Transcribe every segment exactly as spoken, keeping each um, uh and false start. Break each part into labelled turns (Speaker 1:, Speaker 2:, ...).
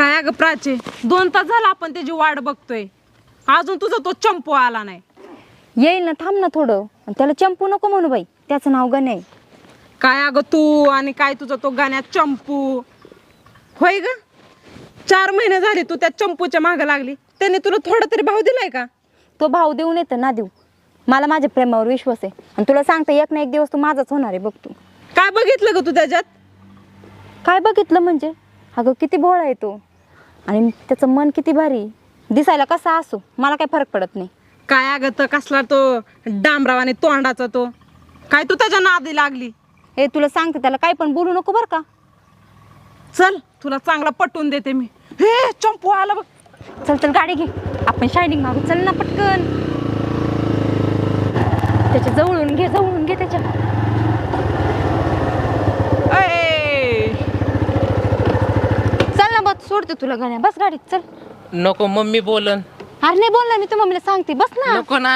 Speaker 1: काय अगं प्राची, दोन तास झाला आपण त्याची वाट बघतोय, अजून तुझा तो चंपू आला नाही.
Speaker 2: येईल ना, थांब ना थोडं. त्याला चंपू नको म्हणू बाई, त्याचं नाव गणे.
Speaker 1: काय अगं तू आणि काय तुझा तो गाण्यात चंपू होय ग. चार महिने झाले तू त्या चंपूच्या मागे लागली, त्याने तुला थोडा तरी भाव दिलाय का?
Speaker 2: तो भाव देऊ येतं ना देऊ, मला माझ्या प्रेमावर विश्वास आहे. आणि तुला सांगते, एक ना एक दिवस तू माझाच होणार आहे बघ. तू
Speaker 1: काय बघितलं ग तू त्याच्यात?
Speaker 2: काय बघितलं म्हणजे? अगं किती भोळा आहे तो, आणि त्याचं मन किती भारी. दिसायला कसा असो मला काय फरक पडत नाही.
Speaker 1: काय अगं तर कसला तो डांबराव आणि तोंडाचा तो, काय तू त्याच्या नादी लागली?
Speaker 2: हे तुला सांगते, त्याला काय पण बोलू नको बरं का.
Speaker 1: चल तुला चांगला पटवून देते मी. हे चंपू आला बघ.
Speaker 2: चल चल गाडी घे, आपण शायनिंग मारू. चल ना पटकन, त्याच्या जवळून घे, जवळून घे त्याच्या.
Speaker 1: ए,
Speaker 2: चल ना बस, सोडते तुला गाण्या, बस गाडीत चल.
Speaker 3: नको, मम्मी बोलन.
Speaker 2: अरे नाही बोलला, मी तू मम्मीला सांगते, बस ना.
Speaker 3: नको ना.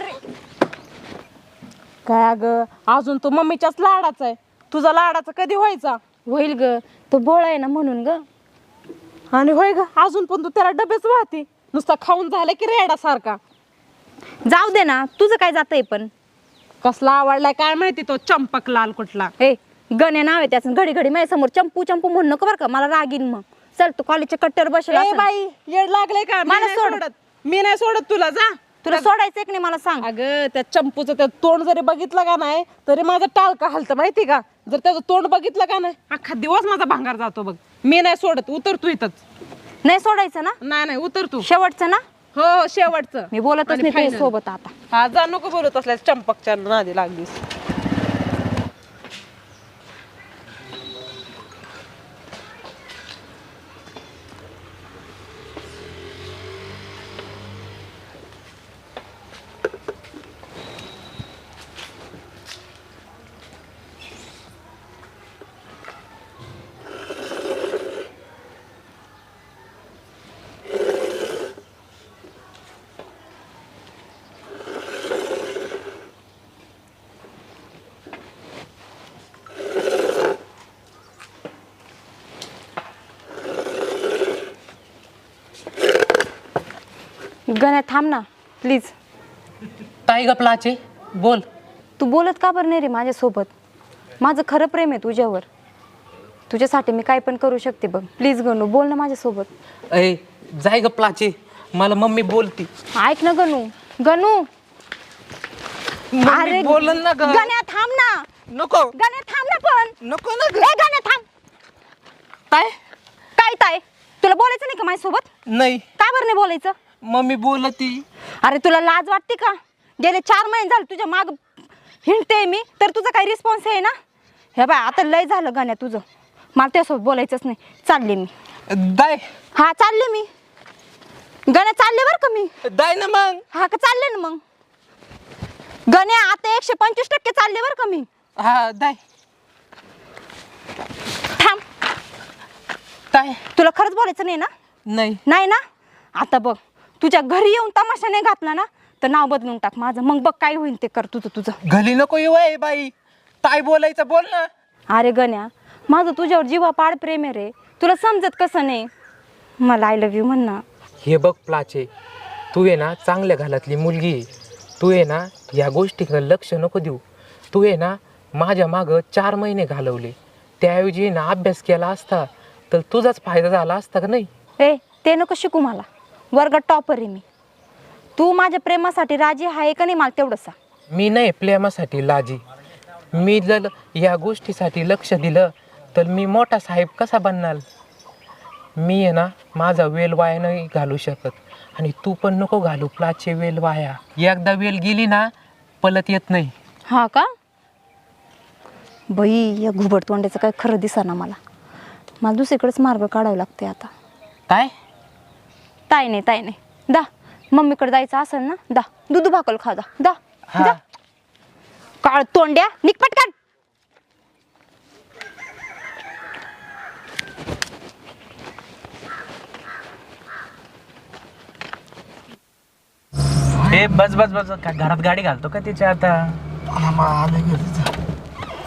Speaker 1: काय अगं अजून तो मम्मीच्याच लाडाचा आहे, तुझा लाडाचा कधी व्हायचा?
Speaker 2: होईल ग, तो भोळा आहे ना म्हणून ग.
Speaker 1: आणि होय ग, अजून पण तू त्याला डबेच वाहते, नुसता खाऊन झाला की रेडा सारखा.
Speaker 2: जाऊ दे ना, तुझं काय जातंय पण.
Speaker 1: कसला आवडलाय काय माहिती तो चंपक लाल कुठला.
Speaker 2: हे गण्या नाव आहे त्याचं, घडी घडी माझ्या समोर चंपू चंपू म्हणू नको बरं का, मला रागीन मग. चल तू कॉलेजच्या कट्टर बसला.
Speaker 1: ए बाई, येड लागले का? मी
Speaker 2: मला
Speaker 1: नाही
Speaker 2: सोड.
Speaker 1: सोडत, मी नाही सोडत तुला. जा,
Speaker 2: तुला सोडायचं की नाही मला सांग.
Speaker 1: अगं त्या चंपूचं त्या तोंड जरी बघितलं का नाही तरी माझं टाळका हलतं माहिती का. जर त्याचं तोंड बघितलं का नाही अख्खा दिवस माझा भांगार जातो बघ. मी नाही सोडत, उतर तू इथंच.
Speaker 2: नाही सोडायचं ना?
Speaker 1: नाही नाही उतर तू.
Speaker 2: शेवटचं ना?
Speaker 1: हो हो शेवटचं.
Speaker 2: मी बोलतच
Speaker 1: आणि
Speaker 2: नाही तुझ्या
Speaker 1: final.
Speaker 2: सोबत आता.
Speaker 1: हा जा, नको बोलत असल्या चंपकच्या नादी लागलीस.
Speaker 2: गण्या थांब ना प्लीज.
Speaker 3: काय ग प्लाचे, बोल.
Speaker 2: तू बोलत का बरं नाही रे माझ्यासोबत? माझं खरं प्रेम आहे तुझ्यावर, तुझ्यासाठी मी काय पण करू शकते बघ. प्लीज गणू, बोल ना माझ्यासोबत.
Speaker 3: अय जाय ग प्लाचे, मला मम्मी बोलती.
Speaker 2: ऐक ना गणू. गणू
Speaker 3: अरे बोलन ना ग.
Speaker 2: गण्या थांब ना.
Speaker 3: नको.
Speaker 2: गण्या थांब ना पण.
Speaker 3: नको ना ग.
Speaker 2: ए गण्या थांब.
Speaker 3: काय
Speaker 2: काय ताय, तुला बोलायचं नाही का माझ्यासोबत?
Speaker 3: नाही,
Speaker 2: काय बरं नाही बोलायचं?
Speaker 3: मम्मी बोलती.
Speaker 2: अरे तुला लाज वाटते का? गेले चार महिने झाले तुझ्या माग हिंडते मी, तर तुझा काही रिस्पॉन्स आहे ना? हे बाय आता लय झालं गण्या तुझं, मला त्यासोबत बोलायचंच नाही. चालले मी.
Speaker 3: दाय.
Speaker 2: हा चालले मी. गण्या चालले बरं का मी.
Speaker 3: दाय ना मग.
Speaker 2: हा का चालले ना मग. गण्या आता एकशे पंचवीस टक्के चालले बरं का मी.
Speaker 3: हा दाय.
Speaker 2: थांब.
Speaker 3: काय?
Speaker 2: तुला खरंच बोलायचं नाही ना?
Speaker 3: नाही.
Speaker 2: नाही ना? आता बघ, तुझ्या घरी येऊन तमाशा नाही घातला ना तर नाव बदलून टाक माझं, मग बघ काय होईल ते कर तुझं तुझं.
Speaker 3: घरी नको येऊ आहे बाई, काय बोलायचं बोल ना.
Speaker 2: अरे गण्या, माझं तुझ्यावर जीवा पाड प्रेम आहे रे, तुला समजत कसं नाही? मला आय लव्ह यू म्हण ना.
Speaker 3: हे बघ प्लाचे, तू आहे ना चांगल्या घरातली मुलगी आहे. तू आहे ना या गोष्टीकडे लक्ष नको देऊ. तू आहे ना माझ्या मागं चार महिने घालवले, त्याऐवजी ना अभ्यास केला असता तर तुझाच फायदा झाला असता का नाही?
Speaker 2: ए ते नको शिकू, मला वर्गात टॉपर आहे मी. तू माझ्या प्रेमासाठी राजी आहे का नाही मला तेवढं सांग.
Speaker 3: मी नाही प्रेमासाठी लाजी. मी जर या गोष्टीसाठी लक्ष दिलं तर मी मोठा साहेब कसा बनणार? मी आहे ना माझा वेल वाया नाही घालू शकत, आणि तू पण नको घालू प्लाचे वेल वाया. एकदा वेल गेली ना पलत येत नाही.
Speaker 2: हा का? बाई या घुबड तोंड्याचं काय खरं दिसेना मला. मला दुसरीकडेच मार्ग काढावा लागते आता.
Speaker 3: काय?
Speaker 2: ताई नाही ताई नाही, दा मम्मीकडे जायचं असेल ना, दा दूध भाकल खा. दा दा
Speaker 3: हा.
Speaker 2: जा. काळ तोंड्या निक पटकन.
Speaker 4: हे बस बस बस, का घरात गाडी घालतो का तिच्या आता?
Speaker 5: आले घरी.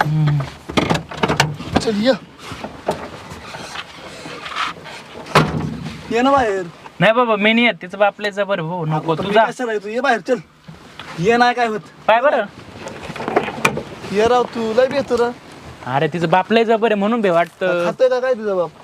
Speaker 5: चल ये. ये ना बाहेर.
Speaker 4: नाही बाबा मी नाही येत तिचं बापल्याचं बरं हो नको
Speaker 5: आता मी
Speaker 4: तुझा
Speaker 5: कशाला येतो? ये बाहेर चल. ये नाही काय होत.
Speaker 4: पाय बरं
Speaker 5: ये राव तू लय बेतो र.
Speaker 4: अरे तिचं बापल्याचं बरं म्हणून बे वाटतं
Speaker 5: खातोय का काय तुझा बाप?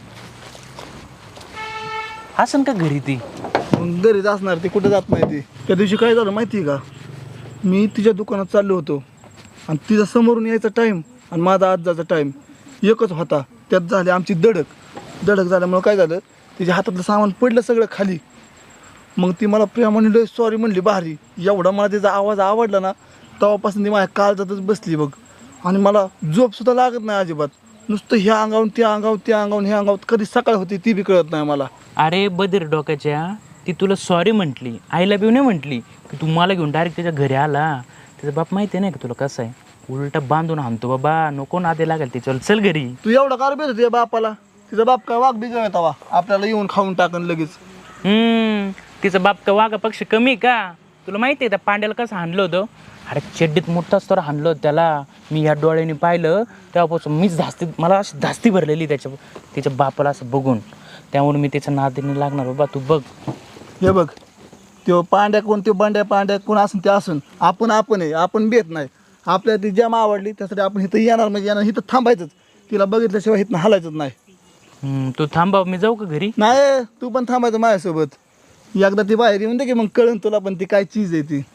Speaker 4: असं का घरी ती
Speaker 5: मग घरीच असणार ती, कुठे जात नाही ती. त्या दिवशी काय झालं माहिती आहे का, मी तिच्या दुकानात चाललो होतो आणि तिचा समोरून यायचा टाईम आणि माझा आज जायचा टाईम एकच होता. त्यात झाली आमची दडक. दडक झाल्यामुळं काय झालं, तिच्या हातातलं सामान पडलं सगळं खाली. मग ती मला प्रेमाने लय सॉरी म्हणली भारी. एवढा मला तिचा आवाज आवडला ना, तेव्हापासून ती माझ्या काळजातच बसली बघ. आणि मला झोपसुद्धा लागत नाही अजिबात. नुसतं ह्या अंगावून त्या अंगावर त्या अंगावून ह्या अंगावर कधी सकाळ होती ती बी कळत नाही मला.
Speaker 4: अरे बधीर डोक्याच्या ती तुला सॉरी म्हटली, आईला बी नाही म्हटली की तू मला घेऊन डायरेक्ट त्याच्या घरी आला. त्याचा बाप माहिती नाही का तुला कसं आहे, उलटा बांधून आणतो बाबा, नको नादे लागेल त्याच्यावर, चल घरी.
Speaker 5: तू एवढा कार बेत होती बापाला? तिचा बाप काय वाघ बिजळ येतावा आपल्याला येऊन खाऊन टाकन लगेच.
Speaker 4: हम्म तिचा बाप का वाघा पक्ष कमी आहे का? तुला माहिती आहे त्या पांड्याला कसं हाणलं होतं? अरे चड्डीत मोठाच तर हाणलं होतं त्याला. मी या डोळ्याने पाहिलं तेव्हापासून मीच धास्ती, मला अशी धास्ती भरलेली त्याच्या तिच्या बापाला असं बघून. त्यामुळे मी त्याच्या नादीने लागणार बाबा, तू बघ.
Speaker 5: हे बघ, तो पांड्या कोण, ते बांड्या पांड्या कोण असून ते असून आपण आपण आहे, आपण बेत नाही. आपल्याला ती जमा आवडली त्यासाठी आपण इथं येणार म्हणजे येणार, इथं थांबायचंच. तिला बघितल्याशिवाय इथं हलायचंच नाही.
Speaker 4: हम्म, तू थांबा, मी जाऊ का घरी?
Speaker 5: नाही, तू पण थांबायचं माझ्यासोबत. एकदा ती बाहेर येऊन दे की मग कळन तुला पण ती काय चीज आहे ती.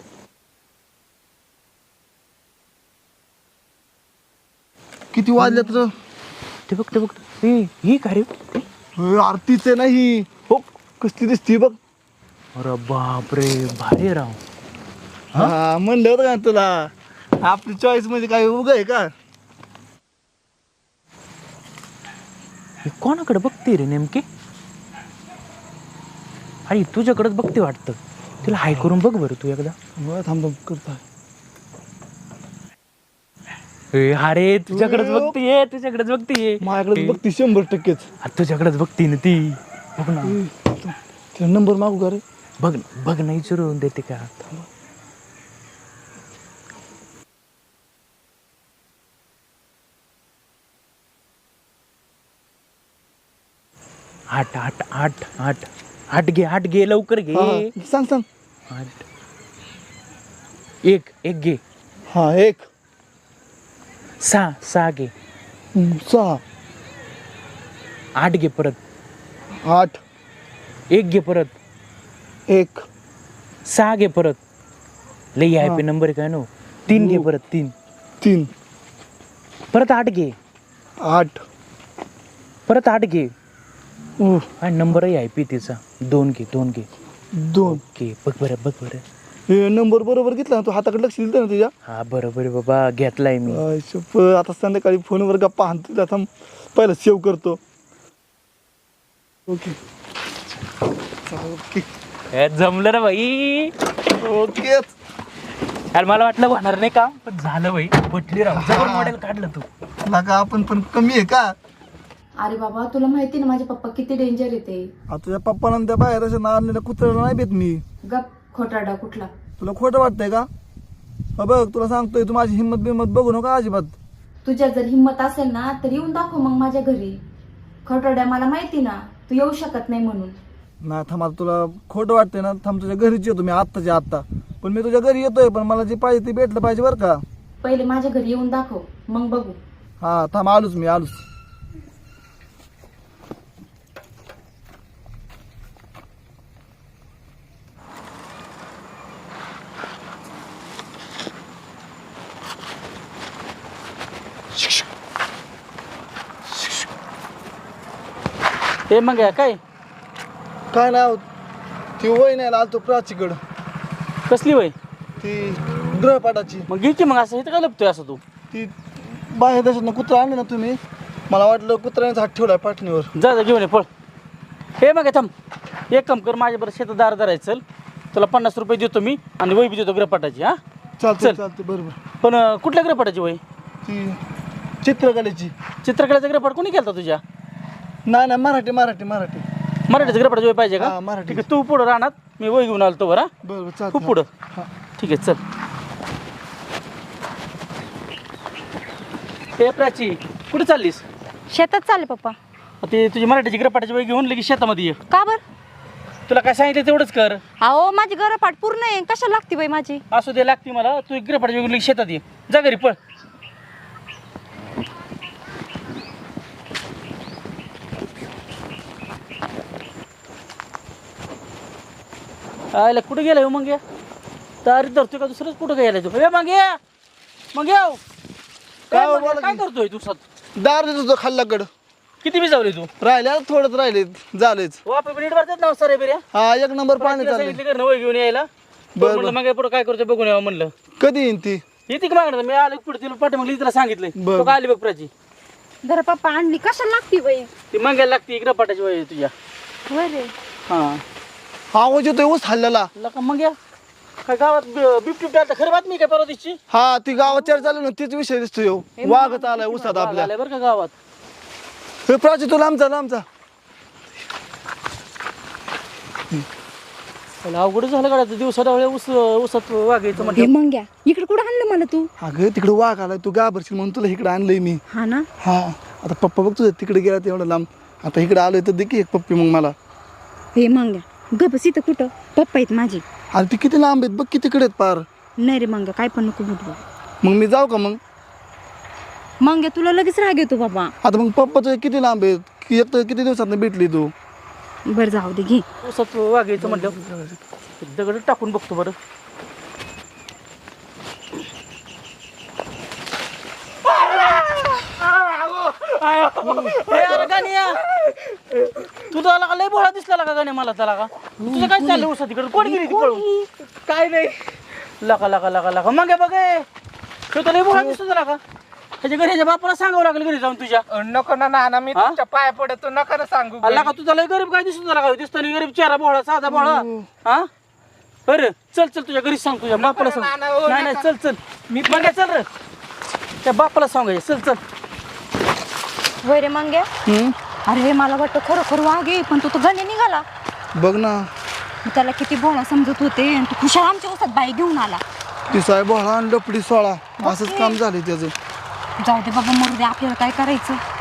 Speaker 5: किती वाजले तर
Speaker 4: ते बघ ते बघ हे ही का रे?
Speaker 5: आरतीचे नाही हो, कसली दिसती बघ.
Speaker 4: अरे बापरे, भारी राव.
Speaker 5: हा म्हणलं होतं का तुला, आपली चॉईस म्हणजे काय उग आहे का?
Speaker 4: ही कोणाकडे बघते रे नेमकी? अरे तुझ्याकडेच बघते वाटतं. तिला हाय करून बघ बरं तू एकदा.
Speaker 5: बरं थांब थांब करता.
Speaker 4: ए, अरे तुझ्याकडेच बघतीये, तुझ्याकडेच बघतीये.
Speaker 5: माझ्याकडे बघती शंभर टक्केच.
Speaker 4: अरे तुझ्याकडेच बघती ना ती. बघ ना,
Speaker 5: तिला नंबर मागू का रे?
Speaker 4: बघ ना, बघ नाही विचारून देते का? आठ आठ आठ आठ आठ घे, आठ घे, लवकर घे.
Speaker 5: हा, हा. सांग सांग.
Speaker 4: आठ एक एक घे.
Speaker 5: हा एक
Speaker 4: सहा सहा घे.
Speaker 5: हम्म, सहा
Speaker 4: आठ घे परत.
Speaker 5: आठ
Speaker 4: एक घे परत.
Speaker 5: एक
Speaker 4: सहा घे परत. लई आय पी नंबर काय नो. तीन घे परत. तीन
Speaker 5: तीन
Speaker 4: परत. आठ घे.
Speaker 5: आठ
Speaker 4: परत आठ घे.
Speaker 5: उह,
Speaker 4: आणि नंबरही आय पी तिचा. दोन घे, दोन घे.
Speaker 5: दोन.
Speaker 4: घे, बघ बरं, बघ बरं.
Speaker 5: हे नंबर बरोबर घेतला ना तू? हाताकडे लक्ष दिलं ना तुझ्या?
Speaker 4: हा बरोबर आहे बाबा, घेतलाय मी.
Speaker 5: आय शप्प, आता संध्याकाळी फोनवर गप्पा हाणतो. आता पहिला सेव्ह करतो. ओके ओके
Speaker 4: ए, जमलं रे भाई.
Speaker 5: ओके.
Speaker 4: अरे मला वाटलं होणार नाही का, पण झालं भाई. पटली राव, जबर मॉडेल काढलं तू.
Speaker 5: का आपण पण कमी आहे का?
Speaker 2: अरे बाबा, तुला माहिती ना माझे पप्पा किती डेंजर येते.
Speaker 5: आता तुझ्या पप्पाला त्या बाहेर असं नारलेल्या कुत्र्याला नाही भेट मी.
Speaker 2: गप खोटाडा कुठला.
Speaker 5: तुला खोटं वाटतंय का? हा बघ, तुला सांगतोय, तू माझी हिंमत बिंमत बघू नका अजिबात.
Speaker 2: तुझ्या जर हिंमत असेल ना तर येऊन दाखव मग माझ्या घरी. खोटाड्या, मला माहिती ना तू येऊ शकत नाही म्हणून.
Speaker 5: नाही थांब, आता तुला खोटं वाटतंय ना, थांब तुझ्या घरीच येतो मी आत्ताच्या आत्ता. पण मी तुझ्या घरी येतोय, पण मला जे पाहिजे ते भेटलं पाहिजे बरं का.
Speaker 2: पहिले माझ्या घरी येऊन दाखव मग बघू.
Speaker 5: हा थांब, आलोच मी, आलोच.
Speaker 4: ते मग काय
Speaker 5: काय नाव? ती वय नाही आलतो प्राचीकडं.
Speaker 4: कसली वय?
Speaker 5: ती ग्रहपाठाची.
Speaker 4: मग घे की मग. असं इथं काय लपतोय असं तू?
Speaker 5: ती बाहेर देशात कुत्रा आणले ना तुम्ही, मला वाटलं कुत्र्यानेच हात ठेवलाय पाठणीवर.
Speaker 4: जा जा घेऊन ये, पळ. हे मग थांब, एक काम कर, माझ्या बरं शेतात दार धरायचं. चल, तुला पन्नास रुपये देतो मी आणि वही बी देतो ग्रहपाठाची. हा
Speaker 5: चालते
Speaker 4: चल.
Speaker 5: चालते, बरोबर.
Speaker 4: पण अं, कुठल्या ग्रहपाठाची वही?
Speaker 5: ती चित्रकलेची.
Speaker 4: चित्रकलेचा ग्रहपाठ कोणी केलता तुझ्या?
Speaker 5: नाही नाही, मराठी मराठी मराठी
Speaker 4: मराठीचा ग्रहपाठाची वही पाहिजे
Speaker 5: हा,
Speaker 4: का?
Speaker 5: मराठी.
Speaker 4: ठीक आहे, तू पुढं राहणार, मी वही घेऊन आलो बरं.
Speaker 5: बरोबर
Speaker 4: तू
Speaker 5: चालते.
Speaker 4: पुढं.
Speaker 5: हा.
Speaker 4: ठीक आहे, चल. हे प्राची, कुठे चाललीस?
Speaker 2: शेतात चालले पप्पा.
Speaker 4: ते तुझी मराठीची ग्रपाटाची वय घेऊन लगेच शेतामध्ये ये.
Speaker 2: का बर?
Speaker 4: तुला काय सांगितलं तेवढंच कर.
Speaker 2: अहो माझी गरपाट पूर्ण आहे, कशाला लागते बाई माझी?
Speaker 4: असू दे लागते मला. तू ग्रपाटाची वय घेऊन लगेच शेतात ये. जा घरी पळ. आयला कुठे गेलाय मग या तारी धरतोय का दुसरंच कुठं गेलाय तू? ए मग या मग या
Speaker 5: काय
Speaker 4: काय
Speaker 5: बोला
Speaker 4: मग या? काय
Speaker 5: की?
Speaker 4: करतोय तू सात
Speaker 5: दार देतो तुझं खाल्लाकड
Speaker 4: किती बिजावली तू?
Speaker 5: राहिले थोडंच राहिले झालेच.
Speaker 4: हो आपण नीट भरतात ना सरे बिर्या.
Speaker 5: हा एक नंबर पाणी चाललंय.
Speaker 4: सांगितलं कर वय घेऊन यायला.
Speaker 5: बरं,
Speaker 4: म्हणलं मग पुढे काय करतोय बघून यावं म्हणलं.
Speaker 5: कधी येईन ती?
Speaker 4: येते की मागणं मी आलो पुढे तिला पाठी मग तिला सांगितलंय.
Speaker 5: बरं.
Speaker 4: तो काय आली बघ प्राची.
Speaker 2: जरा पप्पा आणली, कशाला लागते बाई?
Speaker 4: ती मंगायला लागते इकडं पाटाची वय आहे तुझ्या.
Speaker 2: बरे
Speaker 4: हा
Speaker 5: आवाज येतोय ऊस हल्ल्याला.
Speaker 4: लका मग या काय गावात बिबटी आलता खरं बातमी काय परवा दिवशी?
Speaker 5: हा ती गावात चर्चा चालू ना तीच विषय दिसतोय ह्यो. वाघच आलाय उसात आपल्या.
Speaker 4: आलाय बरं का गावात.
Speaker 5: हे प्राची तुला आमचा लांबचा
Speaker 4: त्याला अवघड झालं गाड्या दिवसा डावळे ऊस ऊसात वागायचं
Speaker 2: हे
Speaker 4: म्हणजे.
Speaker 2: मग घ्या इकडे कुठं आणलं मला तू?
Speaker 5: अगं तिकडे वाघ आलाय तू घाबरशील म्हणून तुला इकडे आणलंय मी.
Speaker 2: हा ना.
Speaker 5: हा आता पप्पा बघ तुझं तिकडे गेला तेवढं लांब. आता इकडे आलोय तर दे की एक पप्पी मग मला.
Speaker 2: हे मग घ्या गपस इथं कुठं पप्पा आहेत माझी.
Speaker 5: अरे ती किती लांब आहेत बघ किती तिकडे आहेत पार.
Speaker 2: नाही रे मंग्या काय पण नको बुटवा.
Speaker 5: मग मी जाऊ का मग?
Speaker 2: मंग्या तुला लगेच राग येतो बाबा.
Speaker 5: आता मग पप्पा तुझे किती लांब आहेत की एक तर किती दिवसात भेटली तू?
Speaker 2: बरं जाऊ दे घे.
Speaker 4: ऊसात वागायचं म्हटलं दगड टाकून बघतो बरं. ए, अरे गाण्या तू त्याला का लय भोळा दिसला का गाण्या मला त्याला का तुझं काय चाललं ऊसात तिकडे कोण गेली ती पळून? काय नाही लका लका लका लका मग बघ तो तर लय भोळा दिसतो त्याला का त्याच्या घरी ह्याच्या बापाला सांगावं लागलं घरी जाऊन तुझ्या.
Speaker 3: नको ना नाना मी
Speaker 4: हा?
Speaker 3: तुमच्या पाया पडतो नका ना सांगू
Speaker 4: अल्ला का तुझा लय गरीब काय दिसतो त्याला का दिसतो नाही गरीब चेहरा भोळा साधा भोळा. हा बरं चल चल तुझ्या घरी सांग तुझ्या बापाला सांग.
Speaker 3: ना, ना, ओ,
Speaker 4: नाही नाही
Speaker 3: नका.
Speaker 4: चल चल मी मग चल रे त्या बापाला सांगायचं चल चल.
Speaker 2: होय रे मंग्या.
Speaker 5: हम्म?
Speaker 2: अरे मला वाटतं खरोखर वाघ आहे पण तू तर गणे निघाला.
Speaker 5: बघ ना
Speaker 2: मी त्याला किती भोळा समजत होते आणि तू खुशाल आमच्या उसात बाई घेऊन आला.
Speaker 5: ती साहेब आणि लपडी सोळा असंच काम झालंय त्याचं.
Speaker 2: जाऊ दे बाबा मरू दे आपल्याला काय करायचं.